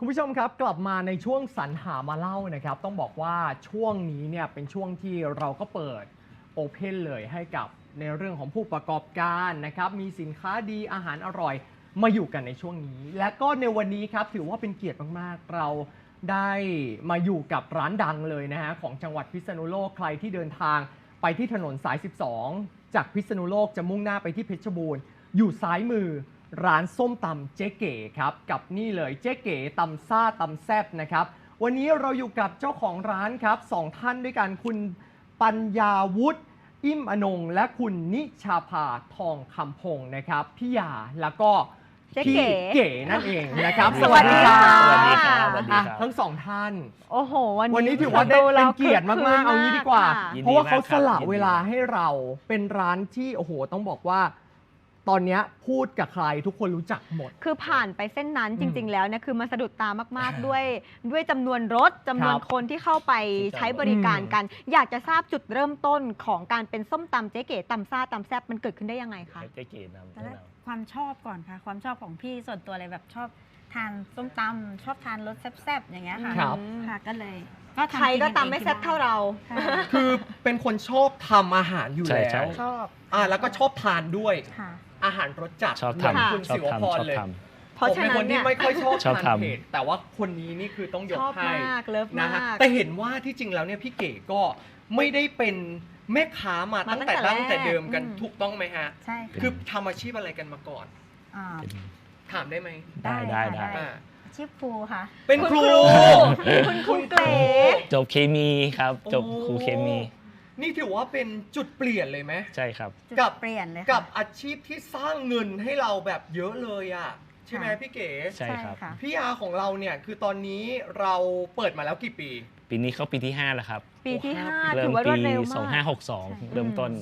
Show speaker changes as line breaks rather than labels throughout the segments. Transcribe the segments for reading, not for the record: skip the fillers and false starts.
คุณผู้ชมครับกลับมาในช่วงสรรหามาเล่านะครับต้องบอกว่าช่วงนี้เนี่ยเป็นช่วงที่เราก็เปิดโอเพนเลยให้กับในเรื่องของผู้ประกอบการนะครับมีสินค้าดีอาหารอร่อยมาอยู่กันในช่วงนี้และก็ในวันนี้ครับถือว่าเป็นเกียรติมากๆเราได้มาอยู่กับร้านดังเลยนะฮะของจังหวัดพิษณุโลกใครที่เดินทางไปที่ถนนสาย 12 จากพิษณุโลกจะมุ่งหน้าไปที่เพชรบูรณ์อยู่ซ้ายมือร้านส้มตำเจ๊เก๋ครับกับนี่เลยเจ๊เก๋ตำซ่าตำแซ่บนะครับวันนี้เราอยู่กับเจ้าของร้านครับสองท่านด้วยกันคุณปัญญาวุฒิอิ่มอนงและคุณนิชาภาทองคำพงศ์นะครับพี่ยาแล้วก็พี่เก๋นั่นเองนะครับ
สวัสดีค่ะ
สวัสดีครับสวัสดีครับ
ทั้งสองท่าน
โอ้โห
วันนี้ถือว่าได้เป็นเกียรติมากๆเอางี้ดีกว่า
ค่ะ
เพราะว่าเขาสละเวลาให้เราเป็นร้านที่โอ้โหต้องบอกว่า ตอนนี้พูดกับใครทุกคนรู้จักหมด
คือผ่านไปเส้นนั้นจริง ๆ แล้วเนี่ยคือมันสะดุดตามากๆด้วยจำนวนรถจำนวนคนที่เข้าไปใช้บริการกัน อยากจะทราบจุดเริ่มต้นของการเป็นส้มตำเจ๊เก๋ตำซ่าตำแซ่บมันเกิดขึ้นได้ยังไงคะ
เจ๊เก๋นำ
ตอนแรกความชอบก่อนค่ะ ความชอบของพี่ส่วนตัวเลยแบบชอบทานส้มตำชอบทานรสแซ่บๆอย่างเงี้ยค่ะ
ครับ
ค่ะก็เลยทำ
ใครก็
นเอง
ตำไม่แซ่บเท่าเรา
ค่ะ
คือเป็นคนชอบทำอาหารอยู่แล้ว
ชอบ
แล้วก็ชอบทานด้วย
ค่ะ
อาหารรสจัด
ชอบ
เหมือน
ทำ
คุณ
ชอบ
ศิวพ
ทำ
ร
ชอบ
เลย
ท
เพราะ
ผม
ฉะ
เป็น
นั้
คน น
เนี่
ที่
ย
ไม่ค่อยชอบ
ชอบ
ทาน
ทำ
เผ็ดแต่ว่าคนนี้นี่คือต้องยก
ชอบ
ให้
มากเลิฟ
นะ
มา
ฮะ
ก
แต่เห็นว่าที่จริงแล้วเนี่ยพี่เก๋ก็ไม่ได้เป็นแม่ค้ามา
มา
ตั้งแต่
ตั้
ดั้
ง
ง
แต่
แต่เดิมกัน
แรก
ถูกต้องไหมฮะ
ใช่ค่ะ
คือทำอาชีพอะไรกันมาก่อน
อ่า
ถามได้ไหม
ได้ได้
ค่ะ
ได้
อ่า
อาชีพครูค่ะ
เป็นครู
คุณครูเก๋
จบเคมีครับจบครูเคมี
นี่ถือว่าเป็นจุดเปลี่ยนเลยไหม
ใช่ครับ
จุด
กับ
เปลี่ยนเลย
กั
ค่ะ
บอาชีพที่สร้างเงินให้เราแบบเยอะเลยอ่ะใช่ไหม
ค่ะ
พี่เก๋
ใช่ครับ
ค่ะ
พี่อาของเราเนี่ยคือตอนนี้เราเปิดมาแล้วกี่ปี
ปีนี้เข้าปีที่ 5 แล้วครับ
ปีที่
โอ้
5
เริ่
ถื
ม
อว่าร
ปี
วดเร็วมาก
2562 เริ่มต้น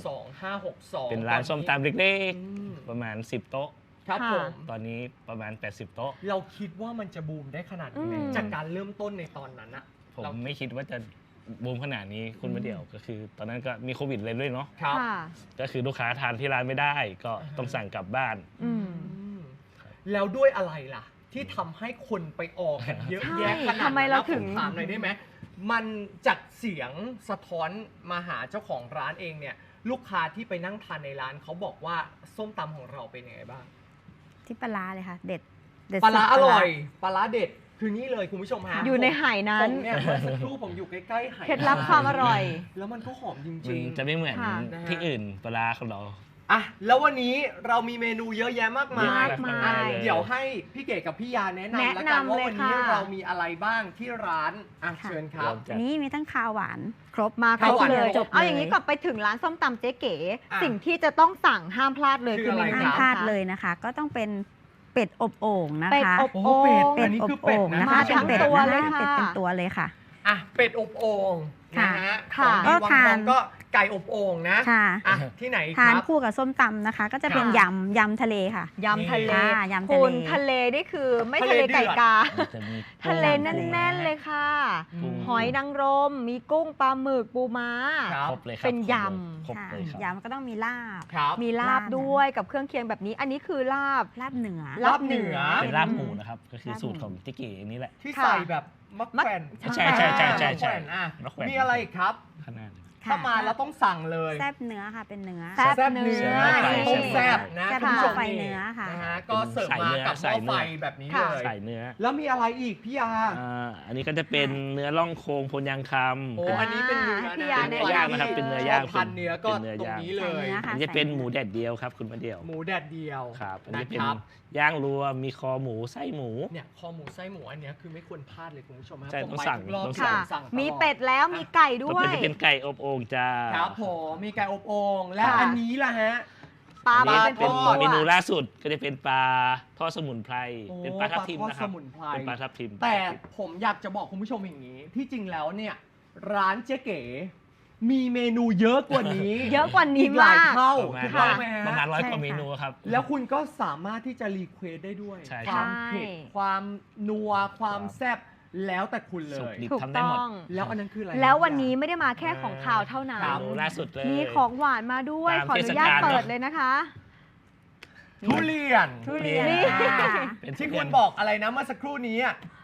2562
เป็นร้านส้มตำเล็ก
อืม
ๆ ประมาณ 10 โต๊ะ
ครับ
ค่ะ
ผม
ตอนนี้ประมาณ 80 โต๊ะ
เราคิดว่ามันจะบูมได้ขนาดนี้ไหม
อืม
จากการเริ่มต้นในตอนนั้นอะ
ผม
เรา
ไม่คิดว่าจะบูมขนาดนี้คุณมาเดี่ยวก็คือ ตอนนั้นก็มีโควิดเลยด้วยเนาะ
ครับ
ค่ะ
ก็คือลูกค้าทานที่ร้านไม่ได้ ก็ต้องสั่งกลับบ้าน
อืม
อืมแล้วด้วยอะไรล่ะ ที่ทำให้คนไปออกกันเยอะแยะ
ใช่
ขนาดนั้น
ทำไมเราถึง
ผมถามหน่อยได้ไหมมันจากเสียงสะท้อนมาหาเจ้าของร้านเองเนี่ย ลูกค้าที่ไปนั่งทานในร้านเขาบอกว่าส้มตำของเราเป็นยังไงบ้าง
ที่ปลาร้าเลยค่ะ เด็ด
ปลาร้า
สุด
อร่อยปลาร้าเด็ดคือนี่เลยคุณผู้ชมฮะ
อยู่ในไหนั้น
ผมเนี่ยเมื่อสักครู่ผมอยู่ใกล้ๆไห
เคล็ดลับความอร่อย
แล้วมันก็หอมจ
มั
ริ
น
ง
จะไม่เหมือน
ค่ะ
ที่อื่นปลาร้าของเรา
ๆอ่ะแล้ววันนี้เรามีเมนูเยอะแยะมากมาย
มากมาย
อ่ะเดี๋ยวให้พี่เก๋กับพี่ยาแนะนำแล้วกันว่าวันนี้เรามีอะไรบ้างที่ร้านอ่ะเชิญครับ
อันนี้มีทั้งคาวหวาน
ครบมาคร
ข้าว
บ
หวาน
เลย
จบเลย
เอาอย่างนี้ก่อนไปถึงร้านส้มตำเจ๊เก๋
อ่ะ
สิ่งที่จะต้องสั่งห้ามพลาดเลย
คือ
คือ
อะไร
เมนู
ห้าม
ครับ
พลาดเลยนะคะ ก็ต้องเป็นเป็ดอบโอ่งนะ
เป็ด
คะ
อบ
โอ้
โอ่
เป็ด
ง
อันนี้คือเป็ดนะ
นะคะ
มาทั้ง
เป็ด
ตัว
นะ
เลย
คะ
ค่ะ
เป็ดเป็นตัวเลยค่ะ
อ่ะเป็ดอบโอ่งนะฮะ
ค่ะ
ของดีวัง
ก็ทา
ทอน งก็ไก่อบโอ่งนะ
ค่ะ
อ่ะที่ไหนค
ทาน
รับ
คู่กับส้มตำนะคะ ก็จะเป็น
ค่ะ
ยำทะเลค่ะ
ยำทะเล
อ่ายำทะเล
คุณทะเลนี่คือไม่
ทะ
ทะ
เล
เลไก่
เดือด
กา
มันจะมี
ทะเล
กุ้ง
แน่นๆเลยค่ะ
กุ้ง
หอยนางรม มีกุ้งปลาหมึกปูม้า
ครับ
ครบเลยครับ
เป็นย
ครบ
ค่ะ
เลยครับ
ยำก็ต้องมีลาบ
ครับ
มีลาบด้วยกับเครื่องเคียงแบบนี้ อันนี้คือลาบ
ลาบเหนือ
ลาบเหนือ
เป็นลาบหมูนะครับ ก็คือสูตรของติ๊กเก๋นี่แหละ
ที่
ค่ะ
ใส่แบบมะแขวน
ใช่ใช่ใช่ใช่ใช่
มะแขวนอ่ะ
มะแขวน
มีอะไรอีกครับ
ขนาด
ถ้ามาแล้วต้องสั่งเลย
แซบเนื้อค่ะ เป็นเนื้อ
แซ่บ
แซ่บเนื้อ
แซ่บ
ต้มแซ่บนะ
แซ่บ
คุณผู้ชม
ไฟเนื้อค่ะ
นะฮะก็เสิร์ฟมากับหม้อไฟแบบนี้เลย
ใส่เนื้อ
แล้วมีอะไรอีกพี่ยา
อันนี้ก็จะเป็นเนื้อล่องโครงพนยางคำ
โอ้
เป็น
อันนี้เป็นเนื้อ
พี่
นะ
ยา
เป็นเนื้อย่างนะครับเป็นเนื้อย่าง
พันเนื้อก็
เป็นเนื้อ
ตรง
ย่าง
นี้เลย
ใส่เนื้อค่ะ
อันนี้จะเป็นหมูแดดเดียวครับคุณมาเดียว
หมูแดดเดียว
ครับอัน
นะ
นี้เป็น
ครับ
ย่างรวมมีคอหมูไส้หมู
เนี่ยคอหมูไส้หมูอันเนี้ยคือไม่ควรพลาดเลยคุณผู้ชมครับ
ใช่
ผม
ต้อง
ไป
สั่ง
ทุกรอบ
ต้อง
ค่ะ
สั่งตลอ
มีเป็ดแล้วมีไก่ด้
ต่อ
ว
ไป
ย
จะเป็นไก่อบโอ่งจ้า
ครับผมมีไก่อบโอ่งและ
ค่ะ
อันนี้ล่ะฮะ
ปลา
อันนี้
เป็น
เป็น
ตัว
เมนูล่าสุดก็จะเป็นปลาทอดสมุนไพร
โอ้
เป็นปลาทับทิม
ปลาทอด
นะครับ
สมุนไพร
เป็นปลาทับทิม
แต่ผมอยากจะบอกคุณผู้ชมอย่างนี้ ที่จริงแล้วเนี่ยร้านเจ๊เก๋มีเมนูเยอะกว่านี้
เยอะกว่านี้
อีกหลาย
มาก
เท่า
ประมาณ
ถูกต้องไหมฮะ
ประมาณ100
ใช่
กว่า
ค่ะ
เมนูครับ
แล้วคุณก็สามารถที่จะรีเควสได้ด้วย
ใช่
ความเผ็ด
ใช่
ความนัวความ
ครับ
แซ่บแล้วแต่คุณเล
สุก
ย
ดิบ
ถูก
ทำได้
ต้
หมด
อง
แล้วอันนั้นคืออะไร
แล้ววันนี้ไม่ได้มาแค่ของข่าวเท่านั้น
เมนูล่าสุดเลย
มีของหวานมาด้วย
ตาม
ขออนุญาต
เทศกาล
เปิด
เนอะ
เลยนะคะ
ทุเรียน
ทุเรียน
นี่
ค่ะ
เป็น
ที่
ทุ
คุ
เรีย
ณ
น
บอกอะไรนะเมื่อสักครู่นี้อะ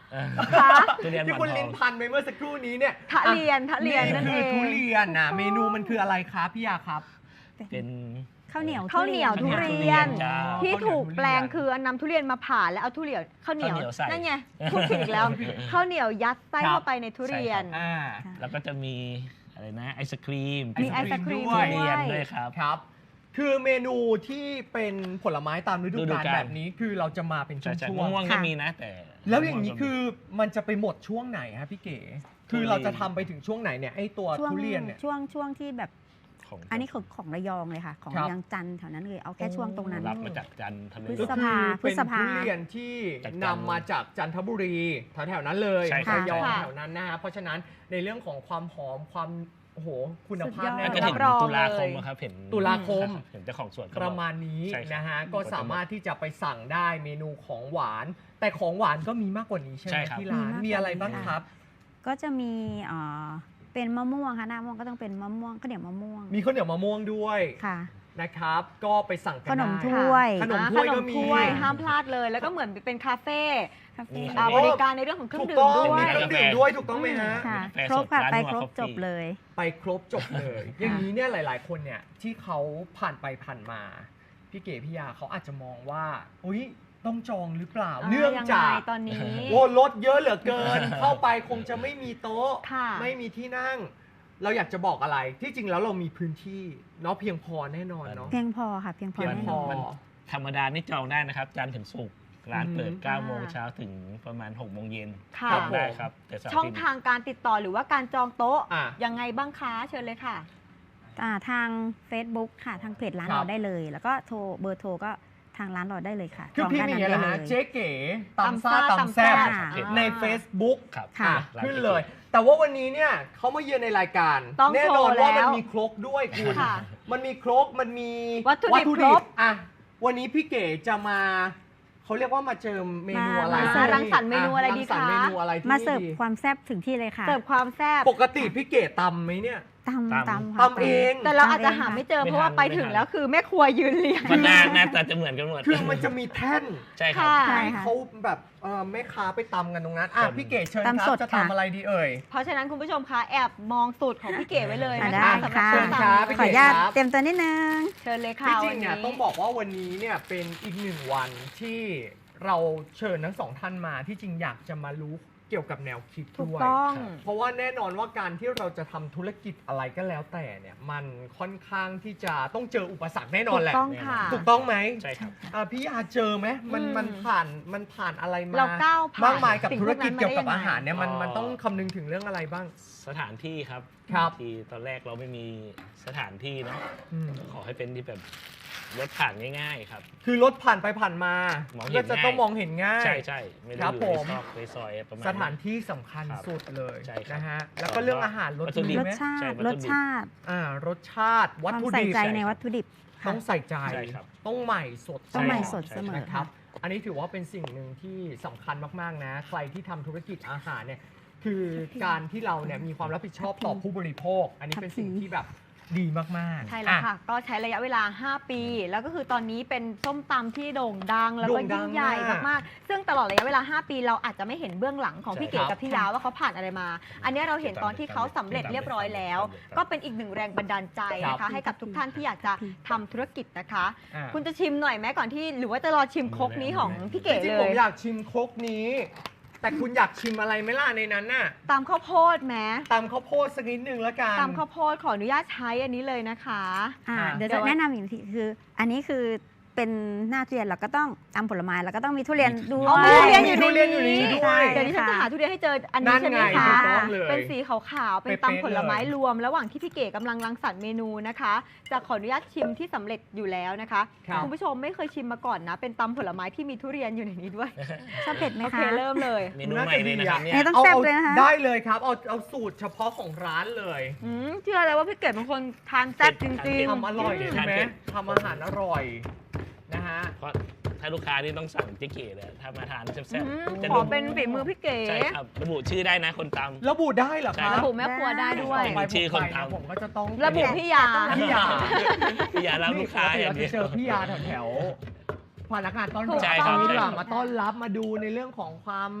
คะ
ทุเรียนห
ที่
มอน
คุณ
ท
ลิ
อง
นพันไปเมื่อสักครู่นี้เนี่ย
ทะเรียนนั่น
นี่
เอ
คือง ทุเรียนนะ
ถูกต้อง
เมนูมันคืออะไรครับพี่ยาครับ
เป็น
ข้าวเหนียว
ข้าวเหนียวทุเรียน
จ้า
ที่ถูกแปลงคือนำทุเรียนมาผ่าแล้วเอาทุเรียนข้าวเหนียว
ข้าวเหนียวใส่
นั่นไงพูดผิดอีกแล้วข้าวเหนียวยัดไส้
ครับ
เข้าไปในทุเรียน
อ่า
แล้วก็จะมีอะไรนะไอศครีม
มีไอศครีม
ด้
ทุ
วย
เรียนด้วยครับ
ครับ คือเมนูที่เป็นผลไม้ตามฤดู
ฤดู
กาล
กาล
แบบนี้คือเราจะมาเป็นช่
ใช่
วง
ม่วงๆก็มีนะแต่
ๆแล้วอย่างนี้คือมันจะไปหมดช่วงไหนครับพี่เก๋ คือเราจะทำไปถึงช่วงไหนเนี่ยไอตัว
ช่วง
ทุเรียนเนี่ย
ช่วงที่แบบ
ของ
อันนี้ของระยองเลยค่ะ ของ
ครับ
ระยองจันทร์แถวนั้นเลยเอาแค่ช่วงตรงนั้น
รับมาจากจันทร์
พฤ
บุ
ษ
รี
ภา
ก็คือเป็น
พฤษภา
ทุเรียนที่
จาก
นำมาจากจันทบุรีแถวๆนั้นเลย
ใช่ครับ
ระยอง
ค่ะ
แถวนั้นนะฮะเพราะฉะนั้นในเรื่องของความหอมความโอ้โหคุณภาพ
สุดยอด
แน่
น่าน จะ
อ
ถึ
น
ง
รอง
ตุลาคม
เลย
อะครับเห็น
ตุลาคม
เห็นเจ้าของสวนก็
ป
บ
ระ
อก
มาณนี้
ใช่ครับ
นะฮะก็สามารถที่จะไปสั่งได้เมนูของหวาน แต่ของหวานก็มีมากกว่านี้ใช่ไห
ใช่
ม
ครับ
ที่ร้าน
มีมากกว่านี้
มีอะไรบ้าง
ค่ะ
ครับ
ก็จะมีเป็นมะม่วงค่ะหน้ามะม่วงก็ต้องเป็นมะม่วงข้าวเหนียวมะม่วง
มีข้าวเหนียวมะม่วงด้วย
ค่ะ
นะครับ ก็ไปสั่งกัน
ขนม
ได้
ถ้วย
ขนมถ้วยก็มี
ขนถ้วยห้ามพลาดเลย แล้วก็เหมือนเป็นคาเฟ่
คาเฟ่
มี
บริการในเรื่องของเครื่อ
ถู
ง
ก
ดื่
ต้
ม
อง
ด้ว
มี
ย
เครื่องดื่มด้วยถูกต้องไหมฮะ
ค่ะ
กาแฟ
ครบค่ะ
สด
ไป
ร้าน
ครบ
Noah
จบ
Coffee
เลย
ไปครบจบเลย อย่างนี้เนี่ยหลาย ๆ คนเนี่ยที่เขาผ่านไปผ่านมา พี่เก๋พี่ยาเขาอาจจะมองว่าอุ๊ยต้องจองหรือเปล่า เนื่องจาก
ยังไงตอนนี้
โอ้รถเยอะเหลือเกิน เข้าไปคงจะไม่มีโต๊ะ
ค่ะ
ไม่มีที่นั่ง เราอยากจะบอกอะไรที่จริงแล้วเรามีพื้นที่เนาะเพียงพอแน่นอนเนาะ
เพียงพอค่ะ เพียงพอ
เพียง
แน่
พ
น
อ
อน
ธรรมดานี่จองได้นะครับจันทร์ถึงศุกร์ร้านเปิด
อืม
9 โมงเช้าถึงประมาณ 6 โมงเย็น
ค่ะ
จองได้ครับแต่เสาร์
ช่อง
อาทิตย์
ทางการติดต่อหรือว่าการจองโต๊ะ
อ่ะ
ยังไงบ้างคะเชิญเลยค่ะ
ทาง Facebook ค่ะ ทางเพจร้าน
ครับ
เราได้เลย แล้วก็เบอร์โทรก็ทางร้านเราได้เลยค่ะ
คือ
จง
พี่
ด้าน
มี
นั้น
อะไร
ได้
นะ
เลย
เจ๊เก๋ตำซ่า
ตำ
ตำแซ่บ
ซ่า
ใน Facebook
ครับ
ค่ะ
ร้า
ขึ้น
ก๋ว
เลย แต่ว่าวันนี้เนี่ยเขามาเยือนในรายการ
ต้อง
แน่
โชว์
นอนว่ามัน
แล้ว
มีครกด้วยคุณ
ค่ะ
มันมีครกมันมี
วัตถุดิบครบ
อ่ะวันนี้พี่เก๋จะมาเขาเรียกว่ามาเจอเมนูอะไร
มา
ที่
รังสรรค์เมนูอะไรดี
งสรรค์
คะ
เมนูอะไรที่
มาเสิร์ฟ
ดี
ความแซ่บถึงที่เลยค่ะ
เสิร์ฟความแซ่บ
ปกติพี่เก๋ตำไหมเนี่ย
ตำ
ตำ
ตำค่ะ
ตำเอง
แต่เราอาจจะหาไม่เจอ
ไม่
เพราะว่า
ทัน
ไป
ไม่
ถึง
ทัน
แล้วคือแม่ครัวยืนเรียง
มันหน้าตาจะเหมือนกันหมด
คือมันจะมีแท่น
ใช่ครับ
ค่ะ
ใช่
ให้
ค่ะ
เขาแบบแม่ค้าไปตำกันตรงนั้นอ่ะ
ครับ
พี่เก๋เชิญค
ตำ
รั
ส
บ
ด
จะ
ค่ะ
ทำอะไรดีเอ่ย
เพราะฉะนั้นคุณผู้ชมคะแอบมองสูตรของพี่เก๋ไว้เลย
อ่ะ
นะ
ได้
คะสำหรับ
ค่ะ
ส้มตำ
พี่
ขออนุญาต
ครับ
เตรียมตัวนิดนึง
เชิญเลยค่ะ
ที่จริ
วั
ง
น
เนี่ย
นี้
ต้องบอกว่าวันนี้เนี่ยเป็นอีกหนึ่งวันที่เราเชิญทั้งสองท่านมาที่จริงอยากจะมารู้เกี่ยวกับแนวคิด
ถูก
ด้วย
ต้อง
เพราะว่าแน่นอนว่าการที่เราจะทำธุรกิจอะไรก็แล้วแต่เนี่ยมันค่อนข้างที่จะต้องเจออุปสรรคแน่นอนแหละ
ถูกต้องค่ะ
ถูกต้องไหม
ใช่ครับ
พี่ยาเจอไหมมันผ่านอะไรมา
เราก้าวผ่าน
มากมายกับ
สิ่ง
ธุรกิจ
พวกนั้นมา
เกี่ยวกับ
ได้ยังไง
อาหารเนี่ยมัน
อ๋อ
มันต้องคำนึงถึงเรื่องอะไรบ้าง
สถานที่ครับ
ครับ
ที่ตอนแรกเราไม่มีสถานที่เนาะ
อืม
ขอให้เป็นที่แบบรถผ่านง่ายๆครับ
คือรถผ่านไปผ่านมาม
องเห็น
ก็จะต้องมองเห็นง่าย
ใช่ใช่ไม่
ค
ได้
รับ
อยู่
ผ
ใน
ม
ซอกในซอยประมาณ
สถานที่สำคัญ
ครับ
สุดเลย
ใช่ครับ
นะฮะแล้วก็เรื่องอาหารรส
วัตถุดิ
ดี
บ
ร
ไหม
สชา
ใช่
ติ
วัต
ร
ถุ
ส
ดิบ
ชาติ
รสชาติวัต
ความ
ถุ
ใส่
ดิบ
ใจ
ใช่
ใน
ครับ
วัตถุดิบค่ะ
ต้องใส่ใจ
ใช่ครับ
ต้องใหม่สด
ต้องใหม่สด
ใช่
เสมอ
นะค
ค่ะ
รับ อันนี้ถือว่าเป็นสิ่งหนึ่งที่สำคัญมากๆนะ ใครที่ทำธุรกิจอาหารเนี่ยคือการที่เราเนี่ยมีความรับผิดชอบต่อผู้บริโภค อันนี้เป็นสิ่งที่แบบดีมากๆ
ใช่แล้วค่ะ
อ่
ก็ใช้ระยะเวลา 5 ปี แล้วก็คือตอนนี้เป็นส้มตำที่โด่งดัง แล้วก็
โด่งดั
ยิ่
ง
งใหญ่
มาก
มากๆ ซึ่งตลอดระยะเวลา 5 ปีเราอาจจะไม่เห็นเบื้องหลังของพี่เก๋
ใช่ครับ
กับพี่ยาวว่าเขาผ่านอะไรมา อันนี้เราเห็นตอนที่เขาสำเร็จเรียบร้อยแล้ว ก็เป็นอีกหนึ่งแรงบันดาลใจนะ
ครั
คะ
บ
ให้กับทุกท่านที่อยากจะทำธุรกิจนะคะ
อ่า
คุณจะชิมหน่อยไหมก่อนที่หรือว่าจะรอชิมครกนี้ของพี่เก๋
จริง
เล
ๆผม
ย
อยากชิมครกนี้ แต่คุณอยากชิมอะไรไหมล่ะในนั้นน่ะ
ตำข้าวโพดไหม
ตำข้าวโพดสักนิดนึงแล้วกัน
ตำข้าวโพดขออนุญาตใช้อันนี้เลยนะคะ
เดี๋ยว
เดี๋
จะ
ยว
แนะนำอีกทีคือ อันนี้คือเป็นหน้าทุเรียนเราก็ต้องตำผลไม้เราก็ต้องมีทุเรียนด้ว
อ๋อมี
ย
ทุเรียนอยู่ใน
มีทุเรียนอยู่ในนี้
นี้
ด้วย
เดี๋ยวดิฉันจะหาทุเรียนให้เจออัน
นั่
นี้
น
ใช่ไหม
ไง
คะ
ถูกต้องเลย
เป็นสีขาวๆ เป็น
เป๊ะๆ
ตำผลไม้
เลย
รวม ระหว่างที่พี่เก๋กำลังรังสรรค์เมนูนะคะ จะขออนุญาตชิมที่สำเร็จอยู่แล้วนะคะ
ครับ
คุณผู้ชมไม่เคยชิมมาก่อนนะ เป็นตำผลไม้ที่มีทุเรียนอยู่ในนี้ด้วย
ชอบเผ็ดไหม
โอเค
คะ
เริ่มเลย
เมนูใหม่เลยนะครับเนี่ย
เนี่ย ต้องแซ่บเลยนะคะ
ได้เลยครับ เอาสูตรเฉพาะของร้านเลย
เชื่อเลยว่าพี่เก๋เป็นคนทานแซ่บจริง
ทำอร่อย
อืม
ใช่ไหม
ทานเผ็ด
ทำอาหารอร่อยนะฮะ
เพราะถ้าลูกค้านี่ต้องสั่งเจ๊เก๋เลยถ้ามาทานแซ่บ
ๆ
ๆจะ
ขอเป็นฝีมือพี่เก๋
ใช่ครับระบุชื่อได้นะคนตำ
ระบุได้เหรอค
ใช่
รับ
ระบุแม่ครัวได้ด้วย
ต่อไป
ชื่อคนทำ
ผมผมก็จะต้อง
ระบุพี่ยา
พี่ยา
อย่ารับลูกค้าอย่าง
เรา
เดี
จะ
ยว
เจอพี่ยาแถวๆพนักงานต้อนรับ
ใช่ครับ
นี่
ใช่
แหละมาต้อนรับมาดูในเรื่องของความ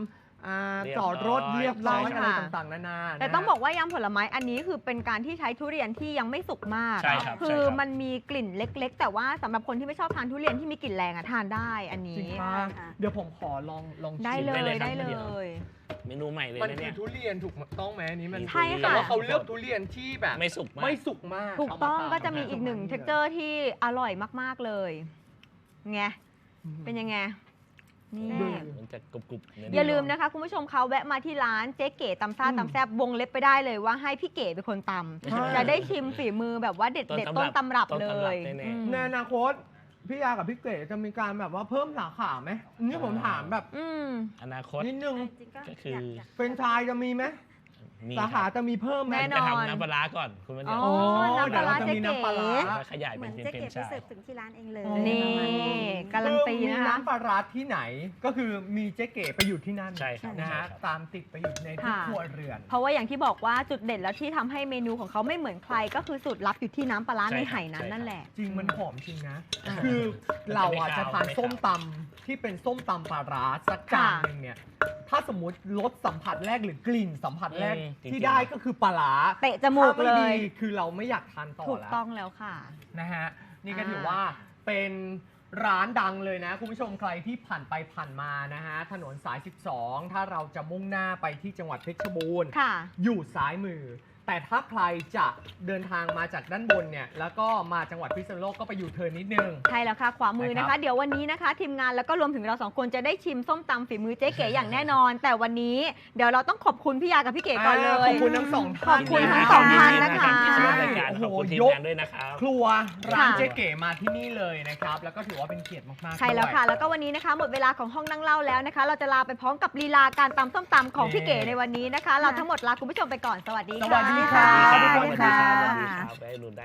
เรียบ
จอดรถเรียบร้อย
ใช่
อะไร
ค่ะ
ต่างๆนานา
แต่
นะ
ต้องบอกว่ายำผลไม้อันนี้คือเป็นการที่ใช้ทุเรียนที่ยังไม่สุกมาก
ใช่ครับ
คือ
ใช่ครับ
มันมีกลิ่นเล็กๆ แต่ว่าสำหรับคนที่ไม่ชอบทานทุเรียนที่มีกลิ่นแรงอะทานได้อัน
จริ
นี้
งป่ะ
ค่ะ
เดี๋ยวผมขอลอง
ได้
ชิม
เลย
ได้
ได้
เล
เลย
ครับ
ย
เมนูใหม่เลย
มัน
นะ
คื
เนี่
อย ทุเรียนถูกต้องไหมอันนี้มัน
ใช่ค่ะ
แต่ว่าเขาเลือกทุเรียนที่แบบ
ไม่สุกมาก
ไม่สุกมาก
ถูกต้อง
เาา
ก็จะมีอีกหนึ่ง
า
เท็กเจอร์ที่อร่อยมากๆเลยไง
อืม
เป็นยังไงนี่
ดู
มันจะกรุบๆเนื้
อย่าลืมนะคะคุณผู้ชมเขาแวะมาที่ร้านเจ๊เก๋ตำซ่า
อืม
ตำแซบวงเล็บไปได้เลยว่าให้พี่เก๋เป็นคนต
ใช่
ำจะได้ชิมฝีมือแบบว่าเด็ดๆต้นตำรับเลย
แน่
อืม
ในอนาคตพี่ยากับพี่เก๋จะมีการแบบว่าเพิ่มสาขาไหมนี่ผมถามแบบ
อืม
ๆอนาคต
นิดนึง
จริงๆก็
ก็คือ
อยาก
เฟรนไชส์จะมีไหม
มี
สาขาจะมีเพิ่มไหม
แน่น
จะ
อน
ทำน้ำปลาร้าก่อนคุณมาเดียว
อ๋อ
โอ้
น้ำปลาร้า
เดี๋ยวเราจะมีน้ำปลาร้า
แล้วก็ขยาย
เห
เป็
มื
น
อน
เป็น
เจ๊
เฟรน
เก๋
ไช
ไปเสิร์ฟ
ส์
ถึงที่ร้านเองเลย
อ๋อ
นี่
ประมาณนี้
การันตี
คือมี
นะคะ
น้ำปลาร้าที่ไหนก็คือมีเจ๊เก๋ไปอยู่ที่นั่น
ใช่ครับ
นะ
ใช่
ฮะ
ครับ
ตามติดไปอยู่ในทุก
ค่ะ
ครัวเรือน
เพราะว่าอย่างที่บอกว่าจุดเด่นแล้วที่ทำให้เมนูของเขาไม่เหมือนใคร ก็คือสูตรลับอยู่ที่น้ำปลาร้า
ใช่
ใน
ครับ
ไหนั้น
ใช่ครับ
นั่นแหละ
จริงมันหอมจริงนะ
อ่า
คือเราอ่ะ
มันจะ
จะ
ไม่
ทาน
คาว
ส้มตำที่เป็นส้มตำปลาร้าสักจานหนึ่งเนี่ย ถ้าสมมติรสสัมผัสแรกหรือกลิ่นสัมผัสแรก
จริงๆ
ที่ได้ก็คือปลาร้า
เตะจมูก
ถ้า
เล
ไม่
ย
ดีคือเราไม่อยากทานต่อ
ถูก
แล้ว
ต้องแล้วค่ะ
นะฮะนี่ก็
อ่า
ถือว่าเป็นร้านดังเลยนะ คุณผู้ชมใครที่ผ่านไปผ่านมานะฮะถนนสาย 12 ถ้าเราจะมุ่งหน้าไปที่จังหวัดเพชรบูรณ์
ค่ะ
อยู่ซ้ายมือ แต่ถ้าใครจะเดินทางมาจากด้านบนเนี่ยแล้วก็มาจังหวัดพิษณุโลกก็ไปอยู่เทิร์นนิดนึง
ใช่แล้วค่ะ ขวามือนะ
นะครั
คะ
บ
เดี๋ยววันนี้นะคะ ทีมงานแล้วก็รวมถึงเราสองคนจะได้ชิมส้มตำฝีมือเจ๊เก๋อย่างแน่นอน แต่วันนี้เดี๋ยวเราต้องขอบคุณพี่ยากับพี่เก๋ก่อนเลย
ขอบคุณทั้งสองท่าน
ขอบคุณทั้งสองท่านนะคะ
ที่ร่วมรายการ
โอ้โห
ขอบคุณทีม
ยก
งานด้วยนะครับ
ครัวร้าน
ค่ะ
เจ๊เก๋มาที่นี่เลยนะครับ แล้วก็ถือว่าเป็นเกียรติมากๆ
ใช่แล้วค่ะ
ด้วย
แล้วก็วันนี้นะคะ หมดเวลาของห้องนั่งเล่าแล้วนะคะ เราจะลาไปพร้อมกับลีลาการตำส้มตำของพี่เก๋ในวันนี้นะคะ เราทั้งหมดลาคุณผู้ชมไปก่อนสวัสดีค่ะ
สวัสดีครับ
สวัสดีครับ
สวัสดีค่ะ
สวัสดีครับได้ลุ้นได้